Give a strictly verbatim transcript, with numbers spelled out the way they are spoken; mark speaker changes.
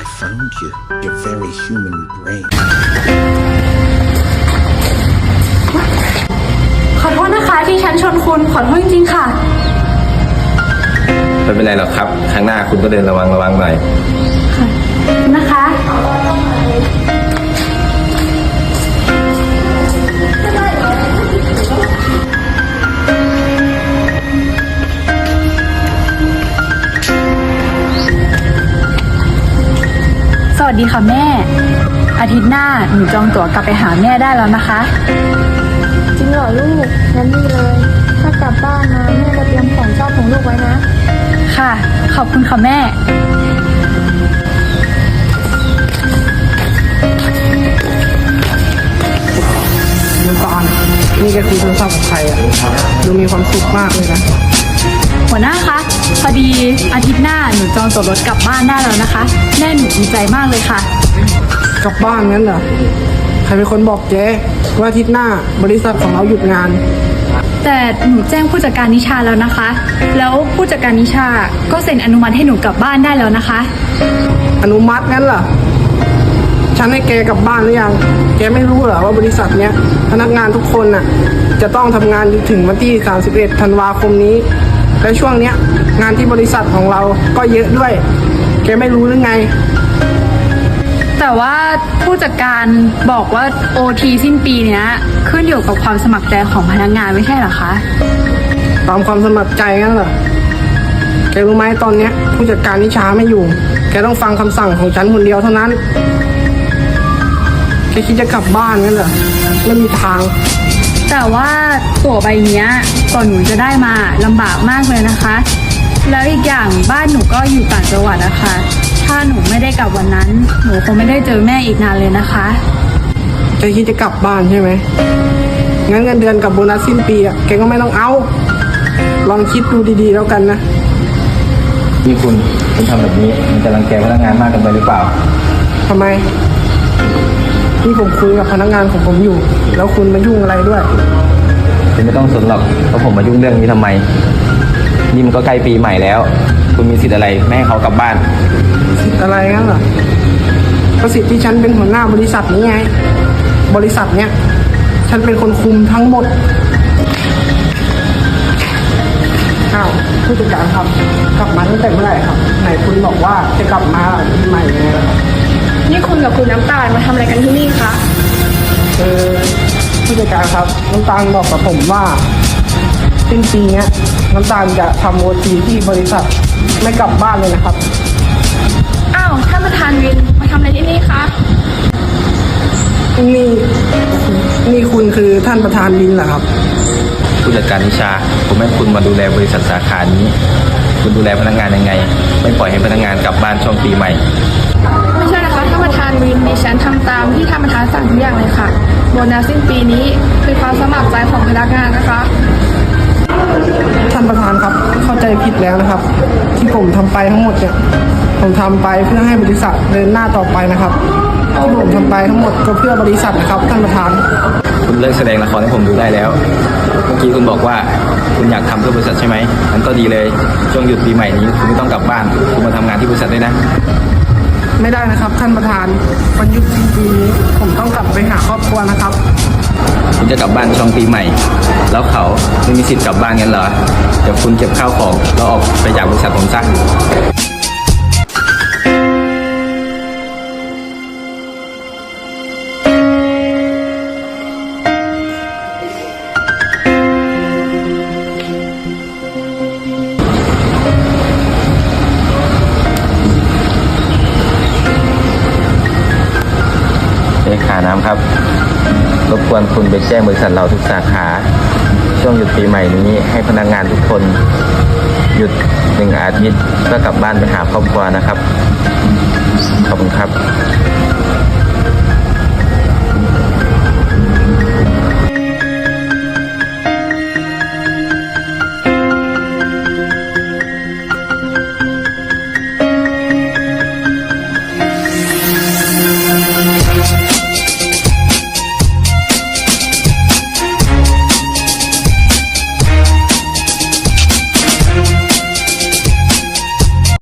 Speaker 1: I found you. Your very human brain.
Speaker 2: ขอโทษนะคะที่ฉันชนคุณขอโทษจริงๆค่ะ
Speaker 3: ไม่เป็นไรหรอกครับครั้งหน้าคุณก็เดินระวังระวังหน่อย
Speaker 2: ค่ะนะคะสวัสดีค่ะแม่อาทิตย์หน้าหนูจองตั๋วกลับไปหาแม่ได้แล้วนะคะ
Speaker 4: จริงเหรอลูกงั้นดีเลยถ้ากลับบ้านมาแม่จะเตรียมของชอบของลูกไว้นะ
Speaker 2: ค่ะขอบคุณค่ะแม่
Speaker 5: น้ำตาลนี่ก็คือโทรศัพท์ของใครอ่ะดูมีความสุขมากเลยนะ
Speaker 2: หัวหน้าคะพอดีอาทิตย์หน้าหนูจองตั๋วรถกลับบ้านได้แล้วนะคะแม่หนูดีใจมากเลยค่ะ
Speaker 5: กลับบ้านงั้นเหรอใครเป็นคนบอกเจ๊ว่าอาทิตย์หน้าบริษัทของเราหยุดงาน
Speaker 2: แต่หนูแจ้งผู้จัดการนิชาแล้วนะคะแล้วผู้จัดการนิชาก็เซ็นอนุมัติให้หนูกลับบ้านได้แล้วนะคะ
Speaker 5: อนุมัติงั้นเหรอฉันให้แกกลับบ้านหรือยังแกไม่รู้เหรอว่าบริษัทเนี้ยพนักงานทุกคนน่ะจะต้องทำงานถึงวันที่สามสิบเอ็ดธันวาคมนี้และช่วงเนี้ยงานที่บริษัทของเราก็เยอะด้วยแกไม่รู้หรือไง
Speaker 2: แต่ว่าผู้จัดการบอกว่า โอ ที สิ้นปีเนี้ยขึ้นอยู่กับความสมัครใจของพนักงานไม่ใช่เหรอคะ
Speaker 5: ตามความสมัครใจงั้นเหรอแกรู้ไหมตอนเนี้ยผู้จัดการนิชาไม่อยู่แกต้องฟังคำสั่งของฉันคนเดียวเท่านั้นแกคิดจะกลับบ้านงั้นเหรอไม่มีทาง
Speaker 2: แต่ว่าตั๋วใบเนี้ยก่อนหนูจะได้มาลำบากมากเลยนะคะแล้วอีกอย่างบ้านหนูก็อยู่ต่างจังหวัดนะคะถ้าหนูไม่ได้กลับวันนั้นหนูคงไม่ได้เจอแม่อีกนานเลยนะคะ
Speaker 5: แกคิดจะกลับบ้านใช่ไหมงั้นเงินเดือนกับโบนัสสิ้นปีอ่ะแกก็ไม่ต้องเอาลองคิดดูดีๆแล้วกันนะ
Speaker 3: นี่คุณคุณทำแบบนี้มันจะรังแกพนักงานมากเกินไปหรือเปล่า
Speaker 5: ทำไมนี่ผมคุยกับพนักงานของผมอยู่แล้วคุณมายุ่งอะไรด้วย
Speaker 3: คุณไม่ต้องสนหรอกเพราะผมมายุ่งเรื่องนี้ทำไมนี่มันก็ใกล้ปีใหม่แล้วคุณมีสิทธิ์อะไรไม่ให้เขากลับบ้าน
Speaker 5: สิทธิ์อะไรงั้นเหรอก็สิทธิ์ที่ฉันเป็นหัวหน้าบริษัทนี้ไงบริษัทเนี้ยฉันเป็นคนคุมทั้งหมดอ้าวผู้จัดการครับกลับมาตั้งแต่เมื่อไหร่ครับไหนคุณบอกว่าจะกลับมาปีใหม่ไง
Speaker 4: นี่คุณกับคุณน้ำตาลมาทำอะไรกันที่นี่คะ
Speaker 5: เออผู้จัดการครับน้ำตาลบอกกับผมว่าสิ้นปีเนี้ยน้ำตาลจะทำโอทีที่บริษัทไม่กลับบ้านเลยนะครับ
Speaker 4: อ้าวท่านประธานวินมาทำอะไรที่นี่คะ
Speaker 5: นี่นี่คุณคือท่านประธานวินเหรอครับ
Speaker 3: ผู้จัดการนิชาผมให้คุณมาดูแลบริษัทสาขานี้คุณดูแลพนักงานยังไงไม่ปล่อยให้พนักงานกลับบ้านช่วงปีใหม่
Speaker 4: ไม่ใช่นะคะท่านประธานวินดิฉันทำตามที่ท่านประธานสั่งทุกอย่างเลยค่ะโบนัสสิ้นปีนี้คือความสมัครใจของพนักงานนะคะ
Speaker 5: ท่านประธานครับเข้าใจผิดแล้วนะครับที่ผมทำไปทั้งหมดเนี่ยผมทำไปเพื่อให้บริษัทเดินหน้าต่อไปนะครับที่ผมทำไปทั้งหมดก็เพื่อบริษัทนะครับท่านประธาน
Speaker 3: คุณเลิกแสดงละครให้ผมดูได้แล้วเมื่อกี้คุณบอกว่าคุณอยากทำเพื่อบริษัทใช่ไหมงั้นก็ดีเลยช่วงหยุดปีใหม่นี้คุณไม่ต้องกลับบ้านคุณมาทำงานที่บริษัทได้นะ
Speaker 5: ไม่ได้นะครับท่านประธานวันหยุดสิ้นปีนี้ผมต้องกลับไปหาครอบครัวนะครับ
Speaker 3: คุณจะกลับบ้านช่วงปีใหม่แล้วเขาไม่มีสิทธิ์กลับบ้านงั้นเหรอเดี๋ยวคุณเก็บข้าวของแล้วออกไปจากบริษัทผมซะเลขาน้ำครับรบกวนคุณไปแจ้งบริษัทเราทุกสาขาช่วงหยุดปีใหม่นี้ให้พนักงานทุกคนหยุดหนึ่งอาทิตย์เพื่อกลับบ้านไปหาครอบครัวนะครับขอบคุณครับ